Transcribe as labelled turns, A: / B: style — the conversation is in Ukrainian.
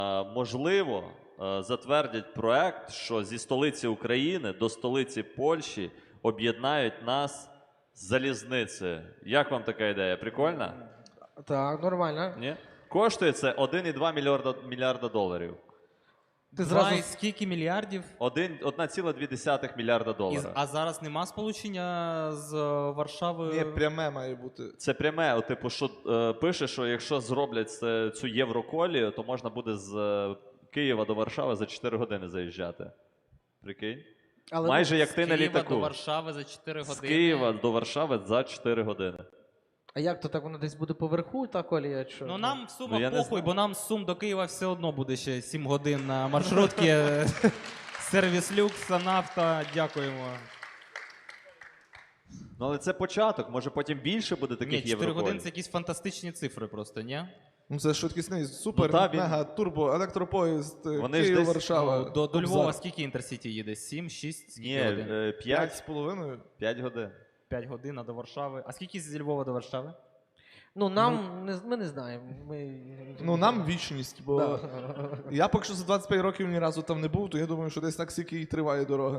A: Можливо, затвердять проект, що зі столиці України до столиці Польщі об'єднають нас залізницею. Як вам така ідея? Прикольна?
B: Так, нормально.
A: Ні? Коштує це 1,2 мільярда доларів.
B: Ти зразу...
C: Скільки мільярдів?
A: 1,2 мільярда доларів.
C: А зараз нема сполучення з Варшави?
D: Ні, пряме має бути.
A: Це пряме, типу, що пише, що якщо зроблять цю Євроколію, то можна буде з Києва до Варшави за 4 години заїжджати. Прикинь?
B: Але
A: Майже як ти на
C: Києва
A: літаку.
C: до Варшави за 4 години.
A: З Києва до Варшави за 4 години.
B: А як то так, воно десь буде поверху, та колія? Що?
C: Ну нам в
A: Ну,
C: Сумах
A: я не
C: похуй,
A: знаю.
C: бо нам з Сум до Києва все одно буде ще 7 годин на маршрутці. Сервіс Люкс, нафта, дякуємо.
A: Ну, але це початок, може потім більше буде
C: Ні,
A: таких
C: 4
A: Євроколій.
C: години це якісь фантастичні цифри просто, ні?
D: Ну це швидкісний, супер,
A: Ну, та, він-
D: мега, турбо, електропоїзд,
A: Вони ж
D: Київ,
A: десь,
D: Варшава.
C: Ну, до
D: Кобзар.
C: Львова скільки Інтерсіті їде? 7, 6, скільки
A: Ні,
C: годин?
D: 5,5.
A: 5 годин.
C: 5 годин, а до Варшави. А скільки зі Львова до Варшави?
B: Ну, нам, ми не знаємо.
D: Ну нам вічність, бо
B: Да.
D: я поки що за 25 років ні разу там не був, то я думаю, що десь так скільки і триває дорога.